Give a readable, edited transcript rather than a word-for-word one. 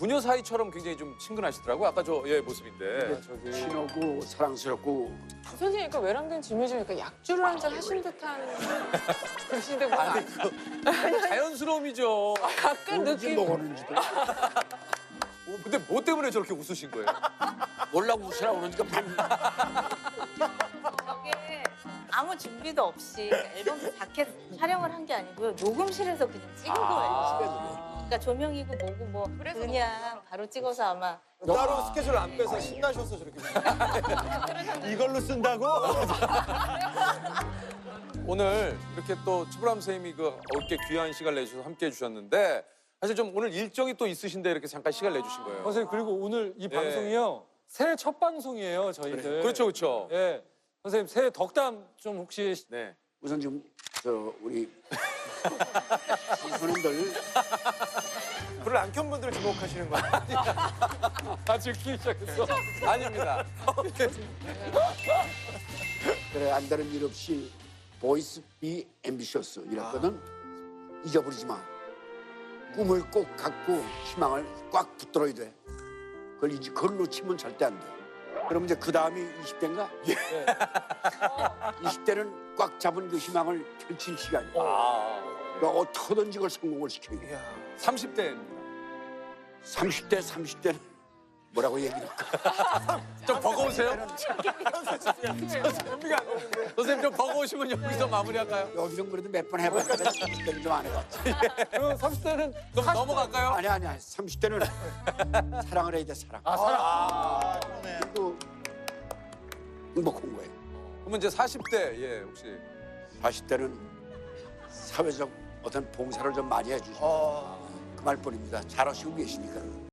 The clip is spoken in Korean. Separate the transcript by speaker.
Speaker 1: 부녀 사이처럼 굉장히 좀 친근하시더라고요. 아까 저 모습인데.
Speaker 2: 저기
Speaker 3: 친하고 사랑스럽고
Speaker 4: 선생님, 그러니까 외람된 질문 중이니까 약주를 한 잔 하신 듯한 그러신데 뭐
Speaker 1: 자연스러움이죠.
Speaker 4: 약간
Speaker 3: 뭔지
Speaker 4: 느낌.
Speaker 3: 먹었는지도
Speaker 1: 근데 뭐 때문에 저렇게 웃으신 거예요?
Speaker 3: 몰라 웃으라고 그러니까
Speaker 5: 저게 아무 준비도 없이 앨범 자켓 촬영을 한 게 아니고요. 녹음실에서 그냥 찍은 거예요. 그러니까 조명이고 뭐고 뭐 그냥 바로 찍어서 아마
Speaker 2: 따로 스케줄 안 빼서 신나셔서 저렇게 이걸로 쓴다고?
Speaker 1: 오늘 이렇게 또 최불암 선생님이 그 어렵게 귀한 시간 내주셔서 함께 해주셨는데 사실 좀 오늘 일정이 또 있으신데 이렇게 잠깐 시간 내주신 거예요.
Speaker 2: 선생님 그리고 오늘 이
Speaker 1: 예.
Speaker 2: 방송이요 새해 첫 방송이에요 저희들.
Speaker 1: 그렇죠, 그렇죠.
Speaker 2: 예, 선생님 새해 덕담 좀 혹시
Speaker 1: 네.
Speaker 3: 우선 좀 우리 선생님들
Speaker 2: 불을 안 켠 분들을 주목하시는 거예요? 다 즐기기 시작했어.
Speaker 1: 아닙니다.
Speaker 3: 그래 안다는 일 없이 보이스 비 앰비셔스 이랬거든. 잊어버리지 마. 꿈을 꼭 갖고 희망을 꽉 붙들어야 돼. 그걸 놓치면 절대 안 돼. 그럼 이제 그 다음이 20대인가?
Speaker 2: 예.
Speaker 3: 20대는 꽉 잡은 그 희망을 펼칠 시간이야. 그러니까 어떻게든지 그걸 성공을 시켜야 돼.
Speaker 1: 30대입니다.
Speaker 3: 30대는 뭐라고 얘기할까?
Speaker 1: 좀 버거우세요? 선생님 좀 버거우시면 여기서 마무리할까요?
Speaker 3: 여기서 그래도 몇 번 해봤는데 30대는 좀 안 해봤지.
Speaker 2: 그럼 30대는
Speaker 1: 그럼 넘어갈까요?
Speaker 3: 아니야. 30대는 사랑을 해야 돼, 사랑. 그리고 행복한 거예요.
Speaker 1: 그러면 이제 40대 혹시
Speaker 3: 40대는 사회적 어떤 봉사를 좀 많이 해주시고 그 말뿐입니다. 잘하시고 계시니까.